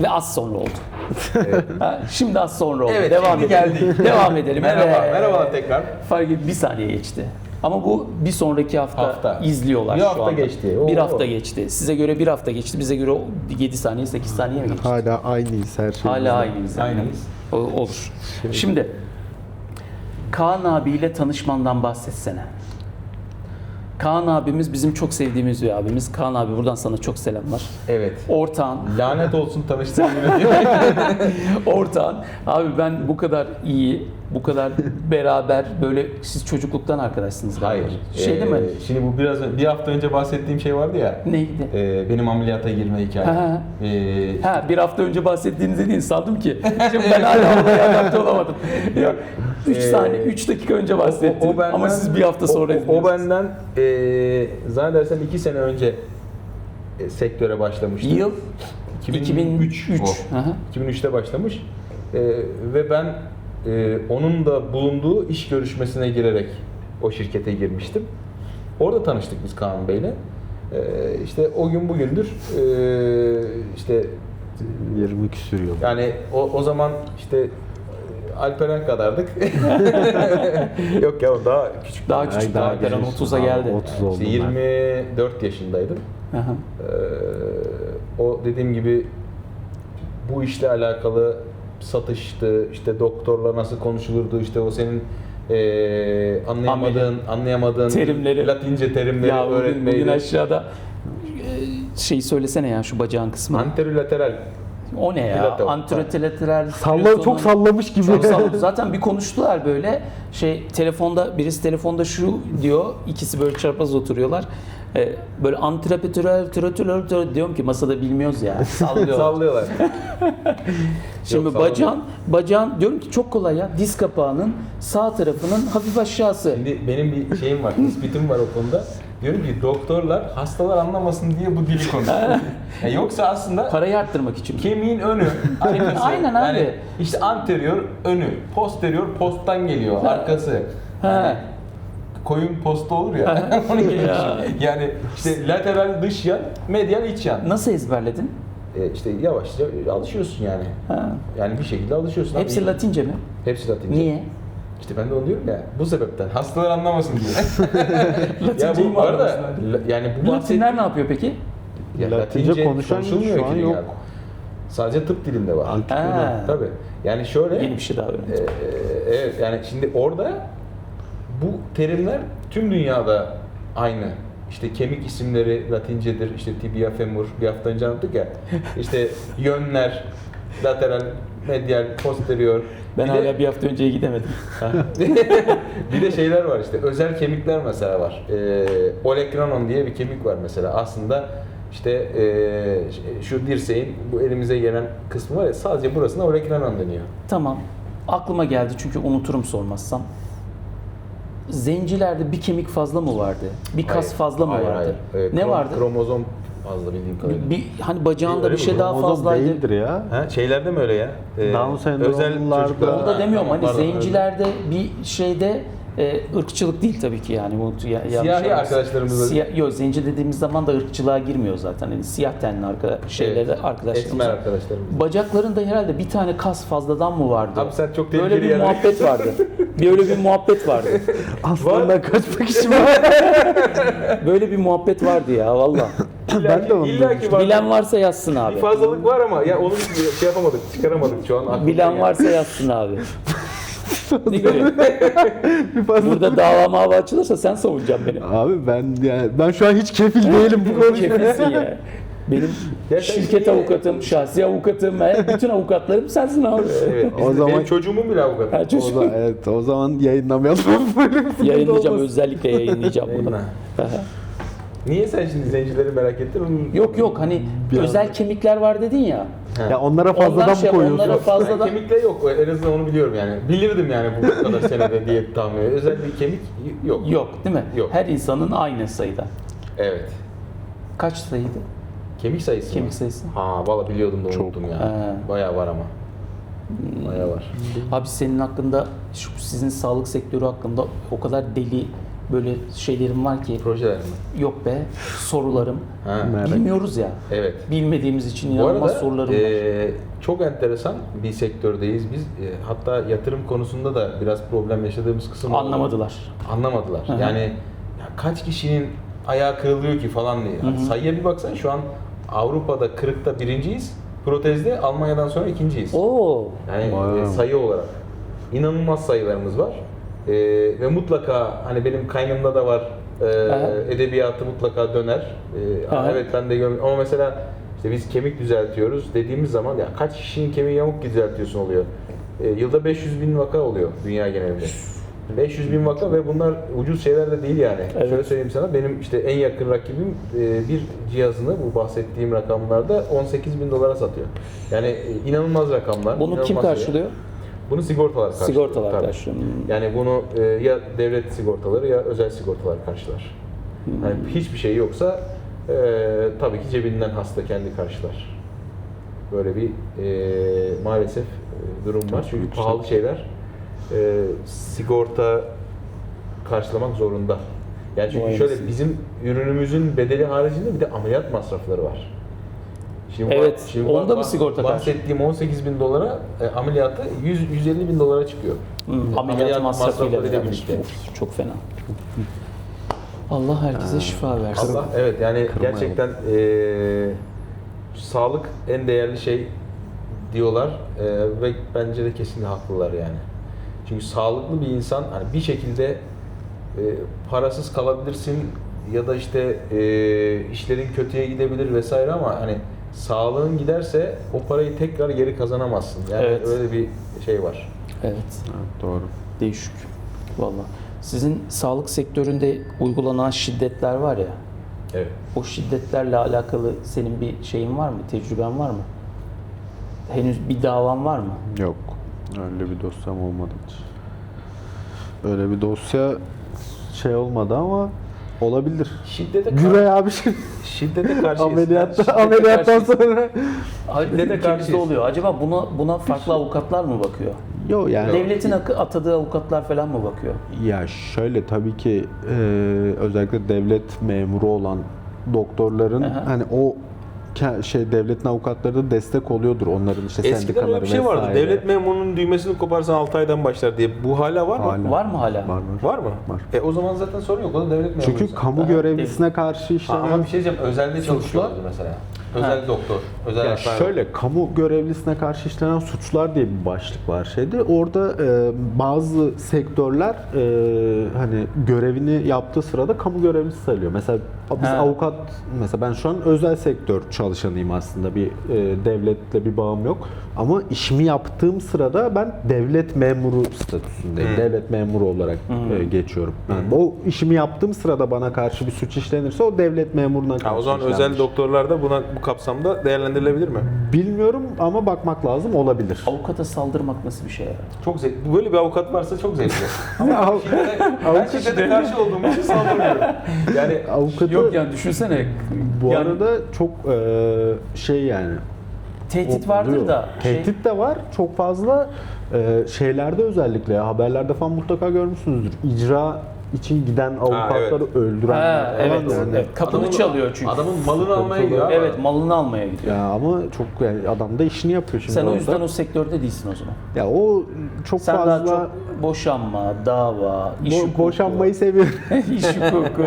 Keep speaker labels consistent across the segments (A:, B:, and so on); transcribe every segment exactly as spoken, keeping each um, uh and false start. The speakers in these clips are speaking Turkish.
A: Ve az sonra oldu.
B: Evet.
A: Ha, şimdi az sonra oldu.
B: Evet,
A: Devam
B: şimdi
A: edelim.
B: geldik.
A: Devam edelim.
B: Merhaba,
A: Evet.
B: merhabalar tekrar.
A: Fark et, bir saniye geçti. Ama bu bir sonraki hafta,
B: Hafta.
A: izliyorlar
B: Bir
A: şu
B: hafta
A: anda.
B: geçti. Oo.
A: Bir hafta geçti. Size göre bir hafta geçti. Bize göre yedi saniye, sekiz saniye mi geçti?
C: Hala aynıyız her şey.
A: Hala aynıyız. yani.
B: Aynıyız.
A: O- Olur. Şimdi Kaan abiyle tanışmandan bahsetsene. Kaan abimiz bizim çok sevdiğimiz bir abimiz. Kaan abi buradan sana çok selamlar.
B: Evet.
A: Ortağın,
B: Lanet olsun tanıştığım gibi.
A: ortağın. Abi ben bu kadar iyi, bu kadar beraber böyle siz çocukluktan arkadaşsınız galiba.
B: Hayır.
A: Şey değil mi?
B: Ee, Şimdi bu biraz bir hafta önce bahsettiğim şey vardı ya.
A: Neydi?
B: e, benim ameliyata girme hikayem.
A: Ha, ha.
B: Ee,
A: Ha bir hafta önce bahsettiğinizi değil sandım ki. Şimdi ben hala olaya adapte olamadım. Yok. üç
B: Ee,
A: saniye, üç dakika önce bahsettim.
B: o- o benden-
A: Ama siz bir hafta sonra
B: o, o
A: izliyorsunuz.
B: benden e, zannedersem iki sene önce e, sektöre başlamıştım.
A: Yıl
B: iki bin üç.
A: üç.
B: o.
A: Hı hı.
B: iki bin üçte başlamış. E, ve ben e, onun da bulunduğu iş görüşmesine girerek o şirkete girmiştim. Orada tanıştık biz Kaan Bey'le. E, işte o gün bugündür e, işte
C: yirmi küsür yıl.
B: yani o, o zaman işte Alperen kadardık. Yok ya o daha küçük.
A: Daha
C: Ay,
A: küçük
C: daha
A: daha Alperen
C: küçük.
A: otuza
C: Abi,
A: geldi.
C: otuz oldum
B: İşte
C: ben.
B: yirmi dört yaşındaydım.
A: Hı hı.
B: Ee, o dediğim gibi bu işle alakalı satıştı, işte doktorla nasıl konuşulurdu, işte o senin eee anlayamadığın, anlayamadığın
A: Terimleri.
B: Latince terimleri
A: Ya bugün,
B: öğretmeydi.
A: bugün aşağıda e, şeyi söylesene ya şu bacağın kısmı.
B: Anterolateral.
A: O ne ya?
B: Plato.
A: Anterolateral.
C: Salla, çok sallamış gibi.
A: Çok salladı. Zaten bir konuştular böyle. Şey telefonda birisi telefonda şu diyor. İkisi böyle çarpaz oturuyorlar. Ee, böyle antrapetürel türetürel diyorum ki masada bilmiyoruz ya. Sallıyorlar.
B: Sallıyorlar.
A: Şimdi
B: Yok,
A: bacağın bacağın diyorum ki çok kolay ya. Diz kapağının sağ tarafının hafif aşağısı.
B: Şimdi benim bir şeyim var, tespitim var o konuda. Diyorum ki doktorlar hastalar anlamasın diye bu dili konuşuyor. Yani yoksa aslında
A: Parayı arttırmak için.
B: kemiğin önü, arkası.
A: Aynen abi.
B: Yani işte anterior önü, posterior posttan geliyor, arkası.
A: Ha.
B: Koyun posta olur ya. Onun gibi
A: Ya.
B: düşün. Yani işte lateral dış yan, medial iç yan.
A: Nasıl ezberledin?
B: E işte yavaşça alışıyorsun yani.
A: Ha.
B: Yani bir şekilde alışıyorsun.
A: Hepsi
B: abi.
A: Latince mi?
B: Hepsi Latince.
A: Niye?
B: İşte ben de onu diyorum ya. Bu sebepten hastalar anlamasın diye. ya
A: Latinceyi
B: bu
A: mi
B: arada
A: anlamasınlar?
B: la- yani bu
A: Latinler ne yapıyor peki?
B: Ya
C: Latince konuşan
B: konuşulmuyor
C: şu an
B: ki
C: yok.
B: dünyada. Sadece tıp dilinde var.
C: Antik
A: Ha.
C: Yunan.
B: Tabii. Yani şöyle
A: Yeni bir şey daha öğrendim.
B: Ee, evet yani şimdi orada bu terimler tüm dünyada aynı. İşte kemik isimleri Latincedir. İşte tibia femur bir hafta önce anlattık ya. İşte yönler, lateral, medial, posterior.
A: Ben
B: bir
A: hala
B: de,
A: bir hafta önceye gidemedim.
B: bir de şeyler var işte. Özel kemikler mesela var. Ee, olecranon diye bir kemik var mesela. Aslında işte ee, şu dirseğin bu elimize gelen kısmı var ya sadece burasına olecranon deniyor.
A: Tamam. Aklıma geldi çünkü unuturum sormazsam. Zencilerde bir kemik fazla mı vardı? Bir kas
B: Hayır,
A: fazla mı
B: hayır,
A: vardı?
B: hayır. Ee,
A: Ne
B: krom-
A: vardı?
B: Kromozom fazla bildiğim kadarıyla.
A: Bir hani bacağında
B: Öyle
A: bir
B: mi?
A: şey daha
C: Kromozom
A: fazlaydı.
C: değildir ya.
B: Ha, şeylerde mi öyle ya? Ee,
C: Down sendromlularda-
B: çocuklar-
A: Onu da demiyorum
B: Ha,
A: hani
B: pardon,
A: zencilerde bir şeyde e, ırkçılık değil tabii ki yani. Bu, ya, yanlış
B: Siyahi
A: anlamışsın.
B: arkadaşlarımız-
A: Siyah, yok zenci dediğimiz zaman da ırkçılığa girmiyor zaten. Hani siyah tenli arka, şeylerde
B: Evet,
A: arkadaşlarımız.
B: Esmer
A: var.
B: arkadaşlarımız.
A: Bacaklarında herhalde bir tane kas fazladan mı vardı?
B: Abi sen çok
A: Böyle
B: tehlikeli
A: bir
B: yerlere-
A: muhabbet vardı. Böyle bir muhabbet vardı.
C: Aslandan kaçmak için var.
A: Böyle bir muhabbet vardı ya valla.
C: Ben de onu
B: İlla ki var.
A: Bilen varsa yazsın abi.
B: Bir fazlalık var ama ya onu şey yapamadık, çıkaramadık şu an. aklımda
A: Bilen
B: yani.
A: varsa yazsın abi. Ne görüyorsun?
C: Bir fazla.
A: Burada dava mava açılırsa sen savunacaksın beni.
C: Abi ben yani ben şu an hiç kefil değilim bu konuşmaya.
A: Kefilsin ya. Benim
B: Ya sen
A: şirket
B: şimdi-
A: avukatım, şahsi avukatım, he, bütün avukatlarım sensin abi.
B: Evet,
C: O
B: bizim,
C: zaman-
B: benim çocuğumun bile avukatı.
A: Ha,
C: O
A: çocuk.
C: zaman, evet, o zaman yayınlamayalım.
A: Yayınlayacağım, özellikle yayınlayacağım bunu.
B: Yayınla.
A: Aha.
B: Niye sen şimdi zencileri merak ettin? Onu...
A: Yok yok hani
C: Biraz
A: özel kemikler var dedin ya.
C: Ya onlara
A: Ondan
C: fazladan mı
B: şey
A: onlara
C: koyuyorsun?
A: fazladan
B: Kemikle yok. En azından onu biliyorum yani. Bilirdim yani bu kadar senede diye tahmin ediyorum. Özel bir kemik yok.
A: yok değil mi?
B: Yok.
A: Her insanın aynı sayıda.
B: Evet.
A: Kaç sayıydı?
B: Kemik sayısı
A: Kemik
B: mı?
A: sayısı.
B: Ha valla biliyordum da
C: Çok.
B: unuttum ya.
A: Ha.
B: Bayağı var ama. Bayağı var.
A: Abi senin hakkında, şu sizin sağlık sektörü hakkında o kadar deli böyle şeylerim var ki
B: Projeler mi?
A: yok be sorularım.
B: Ha.
C: Merak.
A: Bilmiyoruz ya.
B: Evet.
A: Bilmediğimiz için
B: Bu
A: inanılmaz
B: arada
A: sorularım var.
B: e, çok enteresan bir sektördeyiz biz. E, hatta yatırım konusunda da biraz problem yaşadığımız kısım oldu.
A: Anlamadılar.
B: Anlamadılar.
A: Hı hı.
B: Yani ya kaç kişinin ayağı kırılıyor ki falan diye. Hani sayıya bir baksan şu an Avrupa'da kırıkta birinciyiz. Protezde Almanya'dan sonra ikinciyiz.
A: Oo.
B: Yani
C: Vay.
B: e, sayı olarak. İnanılmaz sayılarımız var. E, ve mutlaka hani benim kaynımda da var e,
A: Aha.
B: edebiyatı mutlaka döner. E,
A: Aha.
B: evet ben de gör- ama mesela işte biz kemik düzeltiyoruz dediğimiz zaman ya kaç kişinin kemiği yamuk düzeltiyorsun oluyor. E, yılda beş yüz bin vaka oluyor dünya genelinde. beş yüz bin vaka ve bunlar ucuz şeyler de değil yani.
A: Evet.
B: Şöyle söyleyeyim sana, benim işte en yakın rakibim e, bir cihazını bu bahsettiğim rakamlarda on sekiz bin dolara satıyor. Yani e, inanılmaz rakamlar.
A: Bunu kim
B: inanılmaz
A: karşılıyor?
B: şeyler. Bunu sigortalar karşılıyor.
A: Sigortalar
B: tabii.
A: karşılıyor. Hmm.
B: Yani bunu e, ya devlet sigortaları ya özel sigortalar karşılar. Yani hiçbir şey yoksa e, tabii ki cebinden hasta kendi karşılar. Böyle bir e, maalesef e, durum var. Çünkü
C: yüksek.
B: pahalı şeyler e, sigorta karşılamak zorunda. Yani çünkü
A: Vay
B: şöyle
A: anasını.
B: bizim ürünümüzün bedeli haricinde bir de ameliyat masrafları var. Şimdi
A: Evet,
B: bak- şimdi
A: onda
B: bak-
A: mı sigorta karşı?
B: bahsettiğim on sekiz bin dolara e, ameliyatı yüz yüz elli bin dolara çıkıyor.
A: Hmm, ameliyat masrafıyla
B: masraflarıyla
A: beraber.
B: birlikte.
A: Of, çok fena. Allah herkese şifa versin.
B: Allah, evet yani
C: Kırmayalım.
B: gerçekten e, sağlık en değerli şey diyorlar e, ve bence de kesinlikle haklılar yani. Çünkü sağlıklı bir insan hani bir şekilde e, parasız kalabilirsin ya da işte e, işlerin kötüye gidebilir vesaire ama hani sağlığın giderse o parayı tekrar geri kazanamazsın. Yani
A: Evet.
B: öyle bir şey var.
A: Evet.
C: Evet, doğru.
A: Değişik. Vallahi. Sizin sağlık sektöründe uygulanan şiddetler var ya.
B: Evet.
A: O şiddetlerle alakalı senin bir şeyin var mı? Tecrüben var mı? Henüz bir davan var mı?
C: Yok. Öyle bir dosyam olmadı hiç. Öyle bir dosya şey olmadı ama olabilir.
B: Şiddete
C: Güray abi şimdi
B: şiddete karşıyız.
C: ameliyatta,
B: Şiddete
C: ameliyattan
B: karşıyız.
C: sonra
A: Hayır,
B: Şiddete
A: ülkemizde
B: karşıyız.
A: oluyor. Acaba buna buna farklı avukatlar mı bakıyor?
C: yok yani.
A: Devletin akı- atadığı avukatlar falan mı bakıyor?
C: Ya şöyle tabii ki e, özellikle devlet memuru olan doktorların
A: Aha.
C: hani o ke- şey devletin avukatları da destek oluyordur onların işte
B: Eskiden
C: sendikaları
B: öyle bir şey vardı.
C: vesaire.
B: Devlet memurunun düğmesini koparsan altı aydan başlar diye. Bu hala var mı?
C: Hala.
A: Var mı hala?
C: Var var.
B: Var mı?
C: Var.
B: E o zaman zaten sorun yok. O da devlet memuru.
C: Çünkü kamu görevlisine karşı
B: Ha,
C: işlenen
B: ama bir şey diyeceğim. Özelde çalışıyorlardı mesela. Özel doktor. Özel
C: ya
B: hastane.
C: şöyle kamu görevlisine karşı işlenen suçlar diye bir başlık var şeyde. Orada e, bazı sektörler e, hani görevini yaptığı sırada kamu görevlisi sayılıyor. Mesela biz
A: Ha.
C: avukat mesela ben şu an özel sektör çalışanıyım aslında. Bir e, devletle bir bağım yok. Ama işimi yaptığım sırada ben devlet memuru statüsündeyim.
B: Hmm.
C: Devlet memuru olarak e, geçiyorum. Yani o işimi yaptığım sırada bana karşı bir suç işlenirse o devlet memuruna karşı
B: Ha, o zaman
C: işlenmiş.
B: özel doktorlar da buna bu kapsamda değerlendirilebilir mi?
C: Bilmiyorum ama bakmak lazım, olabilir.
A: Avukata saldırmak nasıl bir şey ya?
B: Çok zevkli. Böyle bir avukat varsa çok zevkli.
C: Av-
B: Şiddete- ben şiddete karşı olduğum için saldırmıyorum. Yani
C: Avukatı
A: Yok yani düşünsene.
C: bu
A: yani
C: arada çok e, şey yani.
A: tehdit
C: o-
A: vardır
C: oluyor.
A: da. şey-
C: Tehdit de var. Çok fazla e, şeylerde özellikle ya, haberlerde falan mutlaka görmüşsünüzdür. İcra için giden avukatları
B: evet.
C: öldürenler
A: Ha,
C: falan
A: evet,
C: yani.
A: evet. Kapını
B: Adamın-
A: çalıyor çünkü.
B: adamın malını almaya gidiyor. abi.
A: Evet, malını almaya gidiyor.
C: Ya ama çok yani adam da işini yapıyor şimdi
A: Sen o
C: orada.
A: yüzden o sektörde değilsin o zaman.
C: Ya o çok
A: Sen
C: fazla
A: daha çok boşanma, dava, iş
C: bo-
A: hukuku.
C: boşanmayı seviyorum.
A: iş hukuku.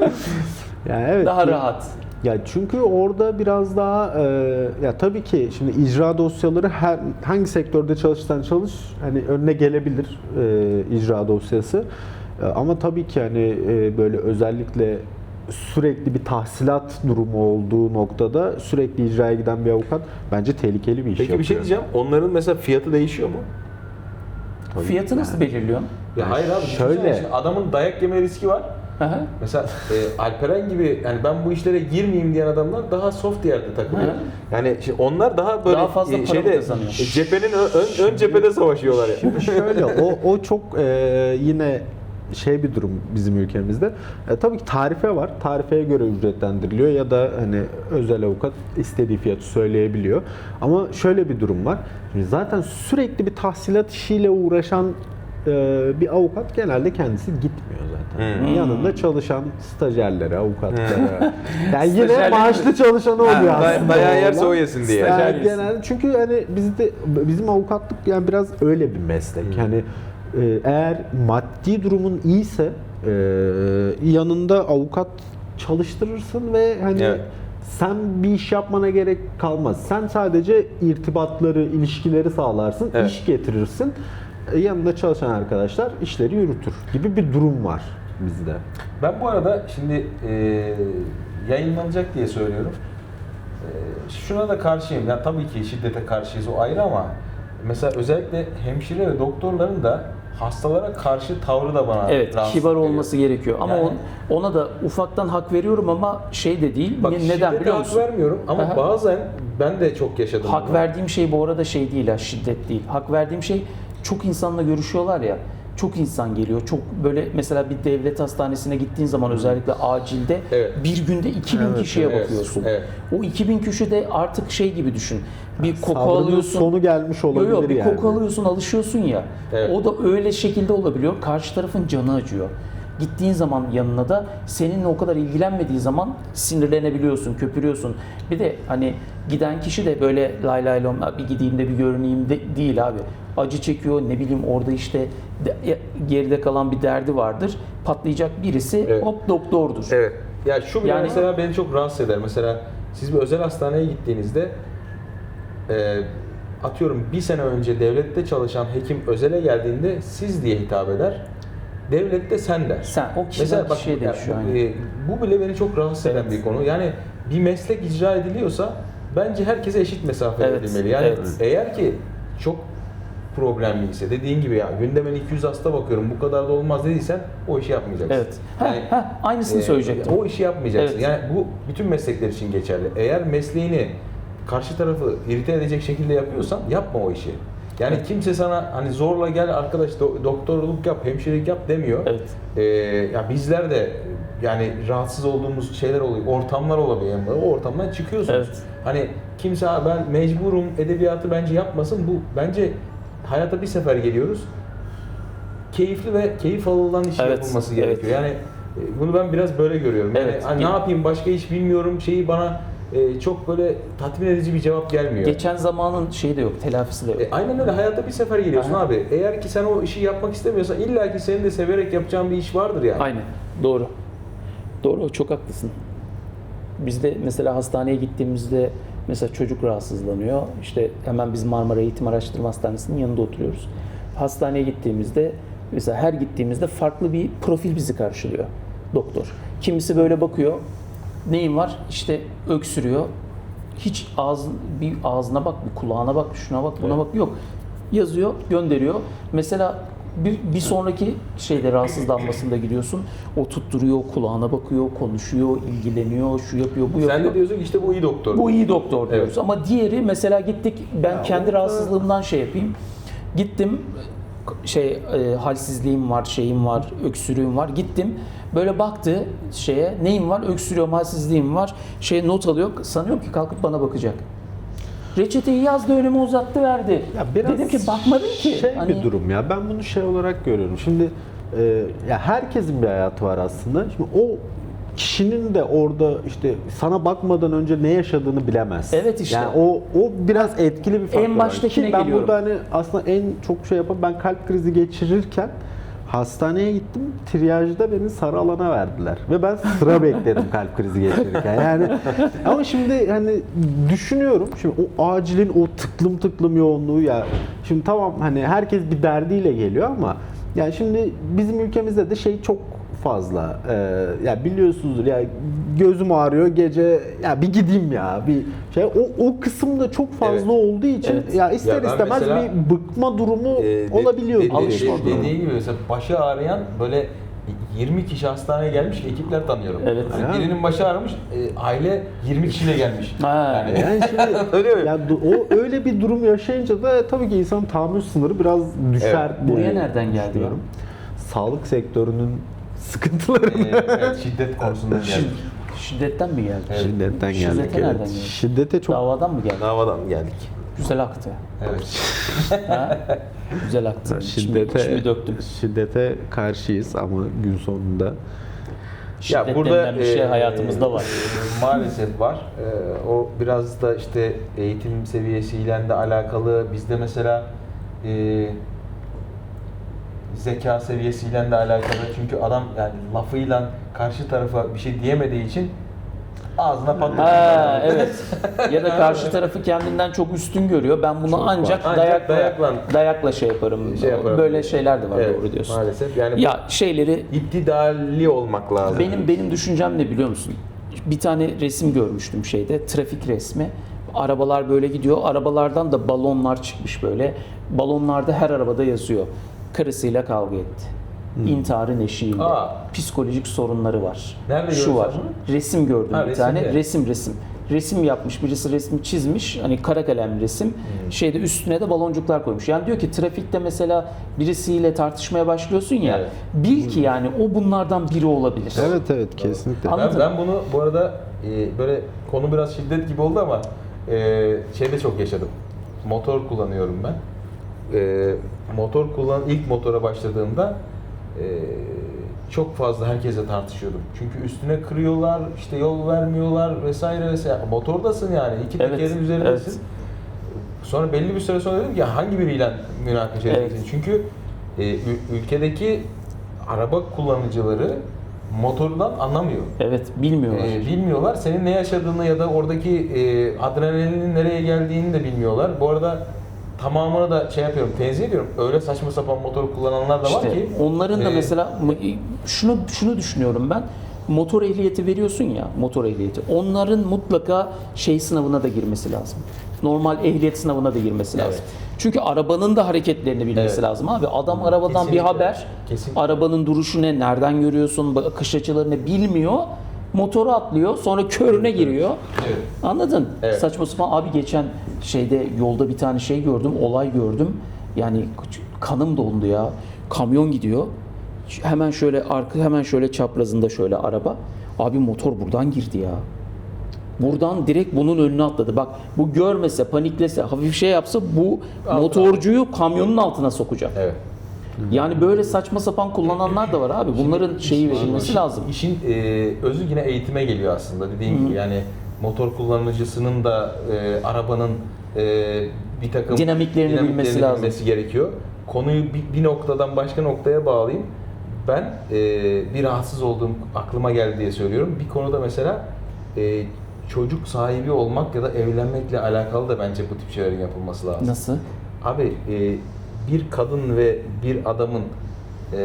C: Yani evet.
A: Daha
C: ki-
A: rahat.
C: Ya çünkü orada biraz daha e, ya tabii ki şimdi icra dosyaları her hangi sektörde çalışsan çalış hani önüne gelebilir e, icra dosyası. E, ama tabii ki hani e, böyle özellikle sürekli bir tahsilat durumu olduğu noktada sürekli icraya giden bir avukat bence tehlikeli bir iş
B: Peki
C: yapıyor.
B: bir şey diyeceğim. Onların mesela fiyatı değişiyor mu?
C: Tabii.
A: Fiyatı nasıl belirliyorsun?
B: Ya
C: Yani
B: hayır abi.
C: şöyle-
B: Şöyle. Şimdi adamın dayak yeme riski var.
A: Aha.
B: Mesela e, Alperen gibi yani ben bu işlere girmeyeyim diyen adamlar daha soft yerde takılıyor.
A: Hı.
B: Yani şimdi onlar daha böyle
A: Daha fazla
B: e,
A: para
B: şeyde
A: kazanıyor.
B: e, cephenin ön, ön, ön cephede savaşıyorlar yani.
C: Şöyle o o çok e, yine şey bir durum bizim ülkemizde. E, tabii ki tarife var. Tarifeye göre ücretlendiriliyor ya da hani özel avukat istediği fiyatı söyleyebiliyor. Ama şöyle bir durum var. Şimdi zaten sürekli bir tahsilat işiyle uğraşan e, bir avukat genelde kendisi gitmiyor zaten.
B: Hmm.
C: Yanında çalışan stajyerlere, avukatlara. Yani yine
A: Stajyerlerin-
C: maaşlı çalışanı oluyor
B: Ha, day-
C: aslında.
B: dayağı
C: o
B: yerse
C: olan.
B: o yesin diye.
C: Yani
A: Stajyer yesin.
C: genelde çünkü hani bizde bizim avukatlık yani biraz öyle bir meslek. Yani e, eğer maddi durumun iyiyse e, yanında avukat çalıştırırsın ve hani
B: Evet.
C: sen bir iş yapmana gerek kalmaz. Sen sadece irtibatları, ilişkileri sağlarsın,
B: Evet.
C: iş getirirsin. E, Yanında çalışan arkadaşlar işleri yürütür gibi bir durum var bizde.
B: Ben bu arada şimdi e, yayınlanacak diye söylüyorum. E, şuna da karşıyım. Ya tabii ki şiddete karşıyız, o ayrı, ama mesela özellikle hemşire ve doktorların da hastalara karşı tavrı da bana
A: Evet,
B: rahatsız
A: kibar
B: ediyor.
A: olması gerekiyor. Ama
B: Yani-
A: on- ona da ufaktan hak veriyorum ama şey de değil.
B: Bak,
A: Ne-
B: şiddete
A: Neden biliyor
B: hak
A: musun?
B: vermiyorum ama
A: Aha.
B: bazen ben de çok yaşadım
A: Hak
B: bunu.
A: verdiğim şey bu arada şey değil ha, şiddet değil. Hak verdiğim şey, çok insanla görüşüyorlar ya. Çok insan geliyor. Çok böyle mesela bir devlet hastanesine gittiğin zaman özellikle acilde
B: Evet.
A: bir günde iki bin
C: Evet,
A: kişiye
B: evet,
A: bakıyorsun.
B: evet.
A: O iki bin kişi de artık şey gibi düşün. Bir koku
C: Sabrının
A: alıyorsun.
C: sonu gelmiş
A: Yo,
C: olabilir
A: yo, bir
C: yani.
A: koku alıyorsun, alışıyorsun ya.
B: Evet.
A: O da öyle şekilde olabiliyor. Karşı tarafın canı acıyor. Gittiğin zaman yanına da seninle o kadar ilgilenmediği zaman sinirlenebiliyorsun, köpürüyorsun. Bir de hani giden kişi de böyle lay lay lom bir gideyim de bir görüneyim de değil abi. Acı çekiyor, ne bileyim orada işte de- geride kalan bir derdi vardır. Patlayacak birisi
B: Evet.
A: hop doktordur.
B: Evet. Ya şu bile
A: Yani-
B: mesela beni çok rahatsız eder. Mesela siz bir özel hastaneye gittiğinizde e, atıyorum bir sene önce devlette çalışan hekim özele geldiğinde siz diye hitap eder. Devlette sen der.
A: Sen o kişiden
B: Mesela bak,
A: kişiye
B: ya
A: değişiyor.
B: bu,
A: aynen.
B: e, bu bile beni çok rahatsız eden
A: Evet.
B: bir konu. Yani bir meslek icra ediliyorsa bence herkese eşit mesafe
A: Evet,
B: edilmeli. Yani
A: evet.
B: eğer ki çok problemliyse, dediğin gibi ya gündeme iki yüz hasta bakıyorum bu kadar da olmaz dediysen o işi yapmayacaksın.
A: Evet. Ha,
B: Yani,
A: ha, aynısını
B: e,
A: söyleyecektim.
B: O işi yapmayacaksın.
A: Evet.
B: Yani bu bütün meslekler için geçerli. Eğer mesleğini karşı tarafı irite edecek şekilde yapıyorsan yapma o işi. Yani kimse sana hani zorla gel arkadaş do- doktorluk yap, hemşirelik yap demiyor.
A: Evet.
B: Ee, ya bizler de yani rahatsız olduğumuz şeyler oluyor, ortamlar olabiliyor. Yani o ortamdan çıkıyorsunuz.
A: Evet.
B: Hani kimse "Ha, ben mecburum edebiyatı bence yapmasın. Bu bence hayata bir sefer geliyoruz. Keyifli ve keyif alınan iş
A: Evet,
B: yapılması
A: evet.
B: gerekiyor. Yani e, bunu ben biraz böyle görüyorum. Yani
A: Evet.
B: hani ne yapayım başka iş bilmiyorum şeyi bana e, çok böyle tatmin edici bir cevap gelmiyor.
A: Geçen zamanın şeyi de yok, telafisi de yok.
B: E, aynen öyle. Hayatta bir sefer geliyorsun
A: Aha.
B: abi. Eğer ki sen o işi yapmak istemiyorsan illa ki senin de severek yapacağın bir iş vardır yani.
A: Aynen. Doğru. Doğru. Çok haklısın. Biz de mesela hastaneye gittiğimizde mesela çocuk rahatsızlanıyor. İşte hemen biz Marmara Eğitim Araştırma Hastanesi'nin yanında oturuyoruz. Hastaneye gittiğimizde mesela her gittiğimizde farklı bir profil bizi karşılıyor doktor. Kimisi böyle bakıyor. Neyin var? İşte öksürüyor. Hiç ağız, bir ağzına bak, bir kulağına bak, şuna bak, buna
B: Evet.
A: bak. Yok. Yazıyor, gönderiyor. Mesela bir, bir sonraki şeyde rahatsızlanmasında gidiyorsun. O tutturuyor, kulağına bakıyor, konuşuyor, ilgileniyor, şu yapıyor, bu yapıyor.
B: Sen de diyorsun ki işte bu iyi doktor.
A: Bu iyi doktor diyoruz.
B: Evet.
A: Ama diğeri mesela gittik, ben
C: Ya
A: kendi
C: o da-
A: rahatsızlığımdan şey yapayım. Gittim, şey e, halsizliğim var, şeyim var, öksürüğüm var. Gittim, böyle baktı şeye, neyim var, öksürüyorum, halsizliğim var. Şey not alıyor, sanıyorum ki kalkıp bana bakacak. Reçeteyi yazdı, önüme uzattı, verdi.
C: Ya biraz
A: Dedim ki bakmadım ki.
C: Şey
A: Hani-
C: bir durum ya. Ben bunu şey olarak görüyorum. Şimdi e, ya herkesin bir hayatı var aslında. Şimdi o kişinin de orada işte sana bakmadan önce ne yaşadığını bilemez.
A: Evet işte.
C: Yani o o biraz etkili bir faktör.
A: baştakine
C: Ki ben
A: geliyorum.
C: burada hani aslında en çok şey yapan ben kalp krizi geçirirken hastaneye gittim. Triyajda beni sarı alana verdiler. Ve ben sıra bekledim kalp krizi geçirirken. Yani ama şimdi hani düşünüyorum. Şimdi o acilin o tıklım tıklım yoğunluğu ya. Şimdi tamam hani herkes bir derdiyle geliyor ama yani şimdi bizim ülkemizde de şey çok fazla. Ee, ya biliyorsunuzdur ya gözüm ağrıyor gece ya bir gideyim ya bir şey o o kısımda çok fazla
B: Evet.
C: olduğu için
A: Evet.
C: ya ister
B: Ya ben
C: istemez
B: mesela,
C: bir bıkma durumu
B: Ee, de-
C: olabiliyor.
B: de- de-
A: Alışma
B: de-
A: durumu.
B: Dediğin gibi mesela başı ağrıyan böyle yirmi kişi hastaneye gelmiş ekipler tanıyorum.
A: Evet.
B: Hani
C: Ya.
B: birinin başı ağrımış, e, aile yirmi kişiyle gelmiş.
A: Ha.
B: Yani,
C: Yani şimdi
B: öyle mi?
C: ya du- o öyle bir durum yaşayınca da tabii ki insanın tahammül sınırı biraz düşer.
B: Evet.
A: Buraya
C: diye
A: nereden geldi ya?
C: düşünüyorum. Sağlık sektörünün sıkıntıları.
B: Ee, evet, şiddet konusundan
A: Şid-
B: geldik.
A: şiddetten mi geldi?
B: Evet.
C: Şiddetten
A: Şiddete
C: geldik.
A: nereden
C: Evet.
A: geldi?
C: Şiddete çok
A: Davadan mı geldi?
B: Davadan geldik.
A: Güzel aktı.
B: Evet.
A: Ha? Güzel aktın.
C: Şiddete,
A: Şimdi döktüm.
C: şiddete karşıyız ama gün sonunda
A: Şiddet denilen bir şey
B: e,
A: hayatımızda var.
B: e, maalesef var. E, o biraz da işte eğitim seviyesiyle de alakalı. Bizde mesela e, zeka seviyesiyle de alakalı. Çünkü adam yani lafıyla karşı tarafa bir şey diyemediği için ağzına patlatıyor.
A: Ha evet. Ya da karşı tarafı kendinden çok üstün görüyor. Ben bunu
B: Çok var.
A: ancak,
B: Ancak
A: dayakla,
B: dayakla-
A: dayakla şey yaparım.
B: Şey yaparım.
A: Böyle şeyler de var,
B: Evet,
A: doğru diyorsun.
B: maalesef. Yani
A: Ya şeyleri
B: İptidali olmak lazım.
A: benim benim düşüncem ne biliyor musun? Bir tane resim görmüştüm şeyde, trafik resmi. Arabalar böyle gidiyor. Arabalardan da balonlar çıkmış böyle. Balonlarda her arabada yazıyor. Karısıyla kavga etti. İntiharın eşiğinde.
B: Aa.
A: Psikolojik sorunları var.
B: Nerede
A: Şu
B: gördün
A: var.
B: bunu?
A: Resim gördüm
B: Ha,
A: bir
B: resimde.
A: tane. Resim resim. Resim yapmış. Birisi resmi çizmiş. Hani kara kalem resim. Şeyde üstüne de baloncuklar koymuş. Yani diyor ki trafikte mesela birisiyle tartışmaya başlıyorsun ya.
B: Evet.
A: Bil ki yani o bunlardan biri olabilir.
C: evet evet kesinlikle.
A: Anladın
B: Ben,
A: mı?
B: ben bunu bu arada e, böyle konu biraz şiddet gibi oldu ama e, şeyde çok yaşadım. Motor kullanıyorum ben. E, motor kullan ilk motora başladığımda e, çok fazla herkese tartışıyordum. Çünkü üstüne kırıyorlar, işte yol vermiyorlar vesaire vesaire. Motordasın yani, iki
A: Evet,
B: tekerin üzerindesin.
A: evet.
B: Sonra belli bir süre sonra dedim ki hangi biriyle münakaşa
A: Evet.
B: edeceksin? Çünkü e, ül- ülkedeki araba kullanıcıları motordan anlamıyor.
A: Evet, bilmiyorlar.
B: Ee, bilmiyorlar. Senin ne yaşadığını ya da oradaki e, adrenalinin nereye geldiğini de bilmiyorlar. Bu arada tamamını da şey yapıyorum, tenzih ediyorum. Öyle saçma sapan motor kullananlar da var
A: İşte
B: ki.
A: onların da
B: e,
A: mesela şunu şunu düşünüyorum ben. Motor ehliyeti veriyorsun ya, motor ehliyeti. Onların mutlaka şey sınavına da girmesi lazım. Normal ehliyet sınavına da girmesi lazım.
B: Evet.
A: Çünkü arabanın da hareketlerini bilmesi
B: Evet.
A: lazım abi. Adam arabadan
B: Kesinlikle.
A: bir haber,
B: Kesinlikle.
A: arabanın duruşu ne, nereden görüyorsun, akış açılarını bilmiyor. Motoru atlıyor, sonra körüne giriyor.
B: Evet.
A: Anladın?
B: Evet.
A: Saçma sapan abi geçen şeyde yolda bir tane şey gördüm, olay gördüm. Yani kanım dondu ya. Kamyon gidiyor. Hemen şöyle arka hemen şöyle çaprazında şöyle araba. Abi motor buradan girdi ya. Buradan direkt bunun önüne atladı. Bak bu görmese, paniklese, hafif şey yapsa bu
B: Altına.
A: motorcuyu kamyonun altına sokacak.
B: Evet.
A: Yani böyle saçma sapan kullananlar da var abi. Bunların şeyi verilmesi
B: İşin-
A: lazım.
B: İşin e, özü yine eğitime geliyor aslında dediğim gibi. Yani motor kullanıcısının da e, arabanın e, bir takım
A: Dinamiklerini bilmesi lazım.
B: bilmesi gerekiyor. Konuyu bir, bir noktadan başka noktaya bağlayayım. Ben e, bir rahatsız olduğum aklıma geldi diye söylüyorum. Bir konuda mesela e, çocuk sahibi olmak ya da evlenmekle alakalı da bence bu tip şeylerin yapılması lazım.
A: Nasıl?
B: Abi e, bir kadın ve bir adamın e,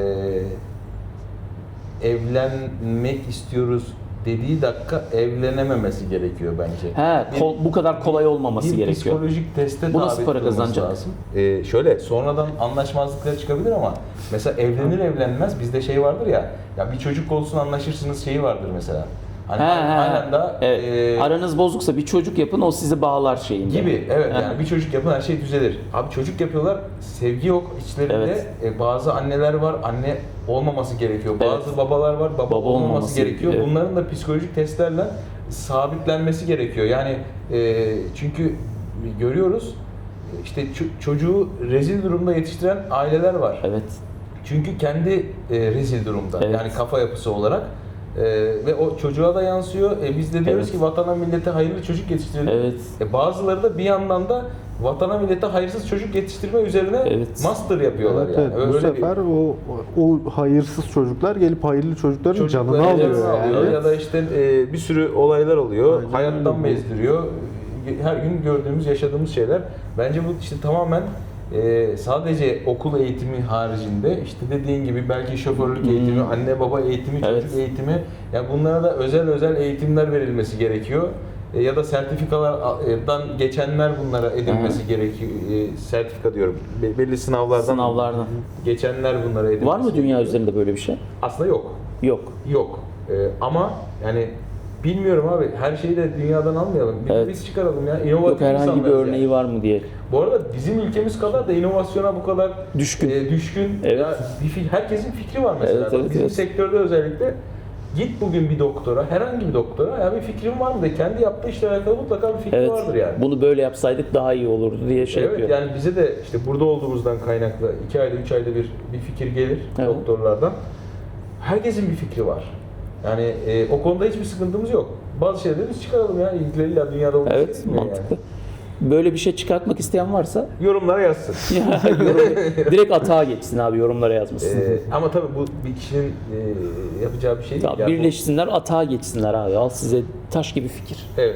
B: evlenmek istiyoruz dediği dakika evlenememesi gerekiyor bence.
A: He,
B: Bir-
A: kol- bu kadar kolay olmaması
B: bir
A: gerekiyor.
B: psikolojik teste
A: Bu nasıl
B: tabi
A: para
B: tutulması
A: kazanacak?
B: lazım. Ee, şöyle sonradan anlaşmazlıklar çıkabilir ama mesela evlenir evlenmez bizde şey vardır ya, ya bir çocuk olsun anlaşırsınız şeyi vardır mesela. Hani
A: He, he,
B: aynen da
A: evet.
B: e,
A: Aranız bozuksa bir çocuk yapın, o sizi bağlar şeyinde.
B: gibi evet
A: He.
B: yani bir çocuk yapın her şey düzelir. Abi çocuk yapıyorlar, sevgi yok içlerinde.
A: Evet.
B: E, bazı anneler var, anne olmaması gerekiyor.
A: Evet.
B: Bazı babalar var, baba,
A: Baba
B: olmaması,
A: olmaması
B: gerekiyor.
A: gerekiyor, evet.
B: Bunların da psikolojik testlerle sabitlenmesi gerekiyor. Yani e, çünkü görüyoruz işte ço- çocuğu rezil durumda yetiştiren aileler var.
A: Evet.
B: Çünkü kendi e, rezil durumda.
A: Evet.
B: Yani kafa yapısı olarak. E, ve o çocuğa da yansıyor. E, biz de diyoruz
A: Evet.
B: ki vatana millete hayırlı çocuk yetiştirelim.
A: Evet.
B: E, bazıları da bir yandan da vatana millete hayırsız çocuk yetiştirme üzerine
A: Evet.
B: master yapıyorlar
C: Evet,
B: yani.
C: evet. Bu
B: Öyle bir-
C: sefer o o hayırsız çocuklar gelip hayırlı çocukların
B: çocukları
C: canını alıyor
B: canını
C: yani.
B: alıyor ya da işte e, bir sürü olaylar oluyor.
C: Aynen
B: Hayattan
C: öyle.
B: bezdiriyor. Her gün gördüğümüz, yaşadığımız şeyler. Bence bu işte tamamen e, sadece okul eğitimi haricinde işte dediğin gibi belki şoförlük eğitimi, anne baba eğitimi,
A: Evet.
B: çocuk eğitimi, ya bunlara da özel özel eğitimler verilmesi gerekiyor. E, ya da sertifikalardan geçenler bunlara edilmesi gerekiyor. E, sertifika diyorum. Be- belli sınavlardan
A: Sınavlardan.
B: geçenler bunlara edilmesi.
A: Var mı dünya üzerinde böyle bir şey?
B: Aslında yok.
A: Yok.
B: Yok. Ee, ama yani bilmiyorum abi, her şeyi de dünyadan almayalım. Bir
A: Evet.
B: biz çıkaralım ya. İnovatif
A: Yok herhangi bir
B: insanlarız
A: örneği
B: yani.
A: var mı diye.
B: Bu arada bizim ülkemiz kadar da inovasyona bu kadar
A: Düşkün.
B: e, düşkün.
A: Evet.
B: Ya bir fi- herkesin fikri var mesela.
A: Evet, evet,
B: bizim
A: evet.
B: sektörde özellikle Git bugün bir doktora, herhangi bir doktora, ya bir fikrin var mı de, kendi yaptığı işle alakalı mutlaka bir fikri
A: Evet.
B: vardır yani.
A: Bunu böyle yapsaydık daha iyi olurdu diye şey
B: Evet,
A: yapıyor.
B: yani bize de işte burada olduğumuzdan kaynaklı iki ayda, üç ayda bir bir fikir gelir
A: Evet.
B: doktorlardan. Herkesin bir fikri var. Yani e, o konuda hiçbir sıkıntımız yok. Bazı şeyleri biz çıkaralım ya, ilgileriyle dünyada olmuş
A: Evet,
B: şey değil mi
A: mantıklı. Böyle bir şey çıkartmak isteyen varsa
B: Yani? Yorumlara yazsın.
A: ya, yorum- direkt atağa geçsin abi, yorumlara yazmasın.
B: Ee, ama tabii bu bir kişinin e, yapacağı bir şey değil.
A: Tamam,
B: Yani bu-
A: birleşsinler, atağa geçsinler abi. Al size taş gibi fikir.
B: Evet.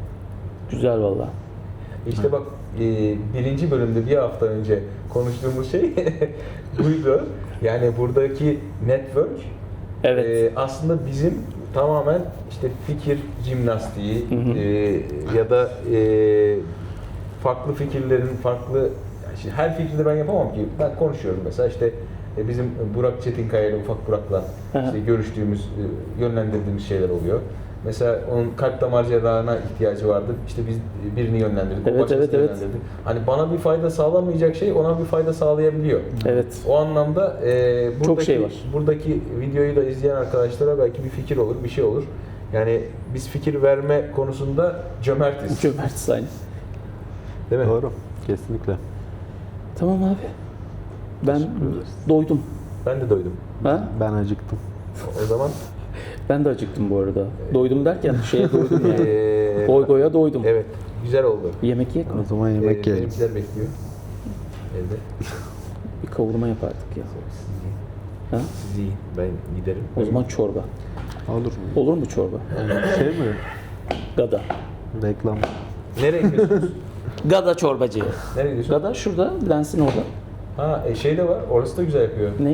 A: Güzel valla.
B: İşte bak e, birinci bölümde bir hafta önce konuştuğumuz şey buydu. Yani buradaki network
A: Evet.
B: e, aslında bizim tamamen işte fikir jimnastiği e, ya da e, farklı fikirlerin farklı, yani şimdi her fikri de ben yapamam ki. Ben konuşuyorum mesela işte e, bizim Burak Çetinkaya ile Ufak Burak'la işte görüştüğümüz, e, yönlendirdiğimiz şeyler oluyor. Mesela onun kalp damar cerrahına ihtiyacı vardı. İşte biz birini yönlendirdik, o
A: Evet,
B: başkasını
A: evet, evet.
B: yönlendirdik. Hani bana bir fayda sağlamayacak şey ona bir fayda sağlayabiliyor.
A: Evet.
B: O anlamda e, buradaki,
A: Çok şey var.
B: buradaki videoyu da izleyen arkadaşlara belki bir fikir olur, bir şey olur. Yani biz fikir verme konusunda cömertiz.
A: Cömertiz aynı.
B: Değil mi?
C: Doğru. Kesinlikle.
A: Tamam abi. Ben doydum.
B: Ben de doydum.
A: Ha?
C: Ben acıktım.
B: O zaman
A: Ben de acıktım bu arada. Doydum derken şeye doydum yani.
B: e,
A: Goy goya doydum.
B: evet, güzel oldu.
A: Yemek yiyek mi?
C: O zaman
B: E,
C: yemek yiyelim.
B: benimkiler bekliyor. Evde.
A: Bir kavurma yapardık ya.
B: Siz yiyin.
A: Ha?
B: Siz yiyin. Ben giderim.
A: O zaman çorba.
C: Olur mu?
A: Olur mu çorba?
C: Şey mi?
A: Gada.
C: Reklam.
B: Nereye gidiyorsunuz?
A: Gada çorbacı.
B: Nereye gidiyorsunuz?
A: Gada şurada, lensin orada.
B: Ha, e, şey de var. Orası da güzel yapıyor.
A: Ne?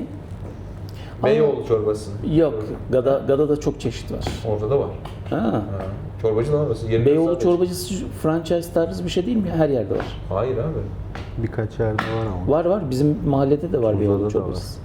B: Beyoğlu çorbası.
A: Yok. Gada, Gada'da çok çeşit var.
B: Orada da var.
A: Ha.
B: Ha. Çorbacı lan orası. yirmi dört
A: Beyoğlu
B: saat
A: çorbacısı franchise tarzı bir şey değil mi ya? Her yerde var.
B: açık. Hayır abi.
C: Birkaç yerde var ama.
A: Var var. Bizim mahallede de var
C: Burada
A: Beyoğlu
C: da
A: çorbacısı.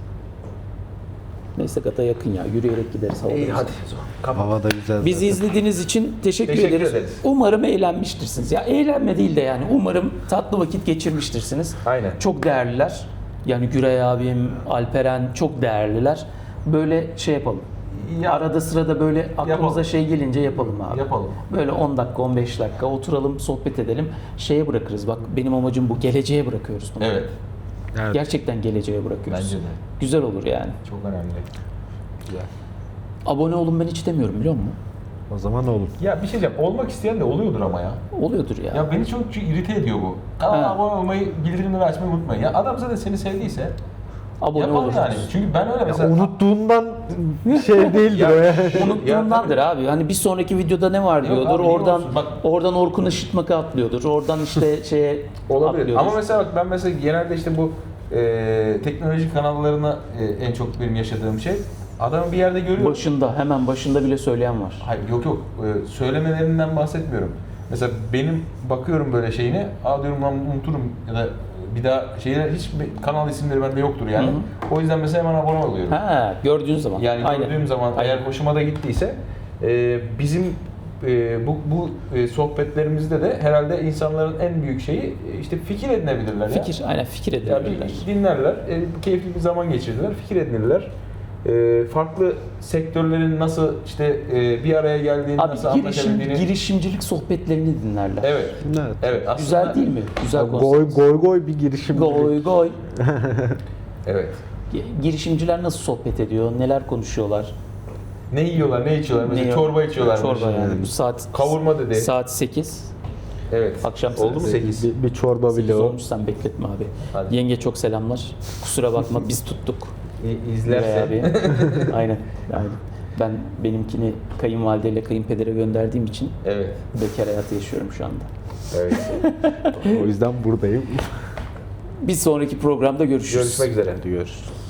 A: Neyse Gada yakın ya. Yürüyerek gideriz. hava
B: İyi
A: güzel.
B: hadi. Kapat.
C: Hava da güzel.
A: Bizi
C: zaten.
A: izlediğiniz için teşekkür,
B: Teşekkür
A: ederiz.
B: ederiz.
A: Umarım eğlenmiştirsiniz. Ya eğlenme değil de yani umarım tatlı vakit geçirmiştirsiniz.
B: Aynen.
A: Çok değerliler. Yani Güray abim, Alperen çok değerliler. Böyle şey yapalım.
B: Ya-
A: Arada sırada böyle aklımıza
B: Yapalım.
A: şey gelince yapalım abi.
B: Yapalım.
A: Böyle on dakika, on beş dakika oturalım, sohbet edelim. Şeye bırakırız. Bak benim amacım bu. Geleceğe bırakıyoruz bunu.
B: Evet.
C: Evet.
A: Gerçekten geleceğe bırakıyoruz.
B: Bence de.
A: Güzel olur yani.
B: Çok önemli. Güzel.
A: Abone olun ben hiç demiyorum biliyor musun?
C: O zaman olur.
B: Ya bir şey diyeceğim. Olmak isteyen de oluyordur ama ya.
A: Oluyordur ya.
B: Ya beni çok irite ediyor bu. Kanala
A: Ha.
B: abone olmayı, bildirimleri açmayı unutmayın. Ya adam zaten seni sevdiyse
A: Abone
B: yapalım
A: oluruz.
B: yani. Çünkü ben öyle mesela...
C: Unuttuğundan şey değildir
B: Ya-
C: o ya.
A: Unuttuğundandır abi. Hani bir sonraki videoda ne var
B: Yok
A: diyordur.
B: abi, niye
A: Oradan
B: olsun? Bak-
A: oradan Orkun Işıtmak'a atlıyordur. Oradan işte şeye
B: Olabilir.
A: atlıyordur.
B: Ama mesela bak ben mesela genelde işte bu e, teknoloji kanallarına e, en çok benim yaşadığım şey. Adamı bir yerde görüyorum.
A: başında hemen başında bile söyleyen var.
B: Hayır yok yok. E, söylemelerinden bahsetmiyorum. Mesela benim bakıyorum böyle şeyine, aa diyorum lan unuturum ya da bir daha şeyler hiç bir kanal isimleri bende yoktur yani.
A: Hı
B: O yüzden mesela hemen abone oluyorum.
A: Ha, gördüğün zaman.
B: Yani
A: Aynen.
B: gördüğüm zaman
A: Aynen.
B: eğer hoşuma da gittiyse e, bizim e, bu bu e, sohbetlerimizde de herhalde insanların en büyük şeyi e, işte fikir edinebilirler ya.
A: fikir, aynen fikir
B: Ya
A: edebilirler.
B: bir dinlerler, e, keyifli bir zaman geçirdiler, fikir edinirler. E, farklı sektörlerin nasıl işte e, bir araya geldiğini,
A: Abi
B: nasıl
A: girişim,
B: anlaşabildiğini.
A: girişimcilik sohbetlerini dinlerler.
B: Evet.
C: Evet.
B: Evet. Aslında,
A: Güzel değil mi? Güzel
C: Goy
A: konsept.
C: goy goy bir girişim.
A: Goy goy.
B: Evet.
A: Girişimciler nasıl sohbet ediyor? Neler konuşuyorlar?
B: Ne yiyorlar, ne içiyorlar? Mesela
A: Ne-
B: çorba içiyorlar.
A: Çorba yani. Bu saat
B: Kavurma dedi.
A: saat sekiz.
B: Evet.
A: Akşam
B: Oldu mu
A: saat
B: sekiz?
C: Bir, bir çorba
A: sekiz
C: bile o.
A: olmuş, sen bekletme abi.
B: Hadi.
A: Yenge çok selamlar. Kusura bakma biz tuttuk.
B: İ- İzlerse.
A: Güray abi. Aynen. Aynen. Ben benimkini kayınvalideyle kayınpedere gönderdiğim için
B: Evet.
A: bekar hayatı yaşıyorum şu anda.
B: Evet.
C: O yüzden buradayım.
A: Bir sonraki programda görüşürüz.
B: Görüşmek üzere.
C: Görüşürüz.